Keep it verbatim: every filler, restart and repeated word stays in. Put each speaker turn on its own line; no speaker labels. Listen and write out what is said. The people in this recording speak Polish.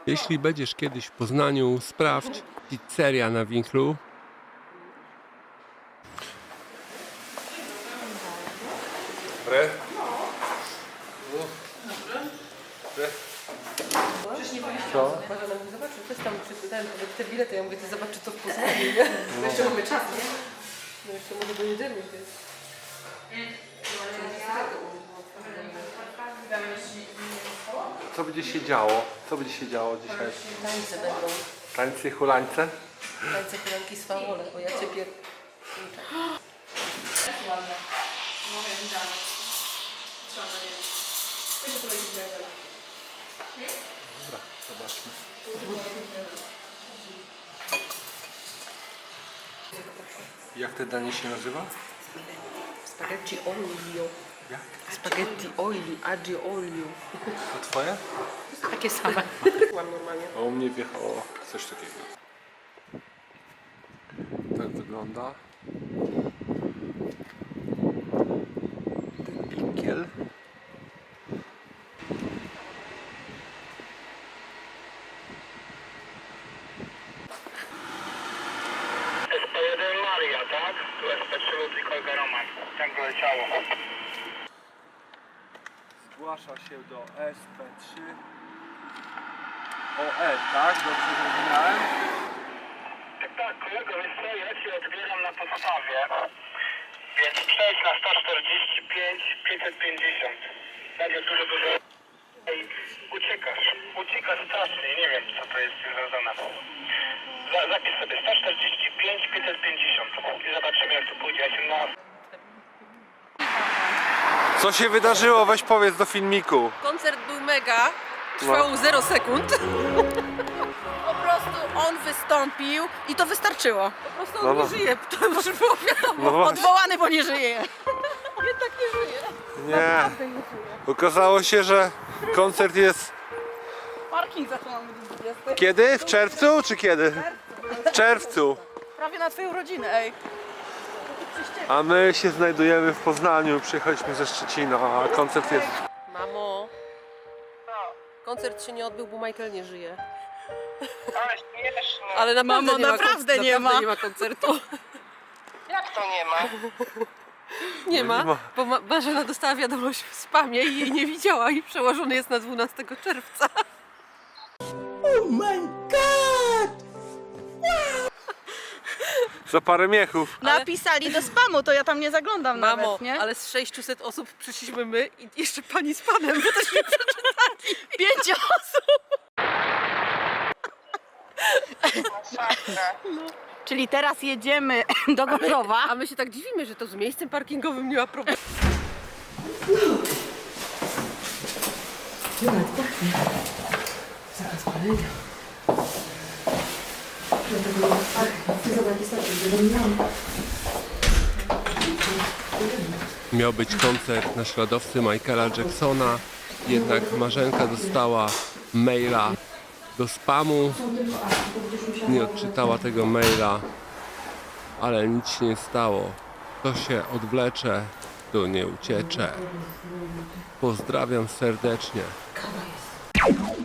Jeśli będziesz kiedyś w Poznaniu, sprawdź pizzeria na Winklu. Dobre. Co?
Zobacz, to jest tam przeczytałem te bilety, ja mówię, ty zobacz, czy to w Poznaniu, nie? No. Jeszcze mamy czas, nie? No jeszcze może do niedzieli jest.
Co będzie się działo? Co będzie się działo dzisiaj?
Tańce będą.
Tańce, hulańce?
Tańce kulanki z fawole, bo ja cię pier...
Dobra, zobaczmy. Jak te danie się nazywa?
Spaghetti olio.
Jak?
Spaghetti olio, aglio olio.
To twoje?
Takie same. Mam normalnie.
A u mnie wjechało coś takiego. Tak wygląda. Ten pinkiel.
S P jeden Maria, tak? Tu S P trzy Ludwik Olga Roman. Tak doleciało.
Zgłasza się do S P trzy O R, tak? Dobrze zrozumiałem?
Tak, tak, kolego, wiesz co, ja cię odbieram na podstawie. Więc przejdź na sto czterdzieści pięć pięćset pięćdziesiąt. Będzie dużo, dużo... I uciekasz. Uciekasz strasznie, nie wiem co to jest związane. Za, zapisz sobie sto czterdzieści pięć pięćset pięćdziesiąt. I zobaczymy jak to pójdzie. Ja się na...
Co się wydarzyło? Weź powiedz do filmiku.
Koncert był mega, trwał zero sekund. Po prostu on wystąpił i to wystarczyło. Po prostu on
No,
nie
no.
żyje, to już było wiadomo.
No właśnie.
Odwołany, bo nie żyje. Jednak nie żyje.
Nie. Okazało się, że koncert jest
Parking zaczynamy do dwudziestej.
kiedy? W czerwcu czy kiedy? W czerwcu.
Prawie na twoją rodzinę, ej.
A my się znajdujemy w Poznaniu. Przyjechaliśmy ze Szczecina, a koncert jest...
Mamo, koncert się nie odbył, bo Michael nie żyje.
Ale śmieszne.
Ale naprawdę
Mamo,
nie ma,
naprawdę
kon-
nie
naprawdę
ma.
nie ma koncertu.
Jak to nie ma?
Nie
No nie
ma,
ma.
bo Ma- Marzena dostała wiadomość w spamie i jej nie widziała i przełożony jest na dwunastego czerwca.
Za parę miechów.
Ale-
Napisali do spamu, to ja tam nie zaglądam
Mamo,
nawet, nie?
ale z sześciuset osób przyszliśmy my i jeszcze pani z panem, bo też nie przeczytali.
Pięć osób!
Masakra.
Czyli teraz jedziemy do Gorzowa.
A my się tak dziwimy, że to z miejscem parkingowym nie ma problemu.
Miał być koncert naśladowcy Michaela Jacksona, jednak Marzenka dostała maila do spamu, nie odczytała tego maila, ale nic się nie stało. To się odwlecze, to nie uciecze. Pozdrawiam serdecznie.
Kawa jest.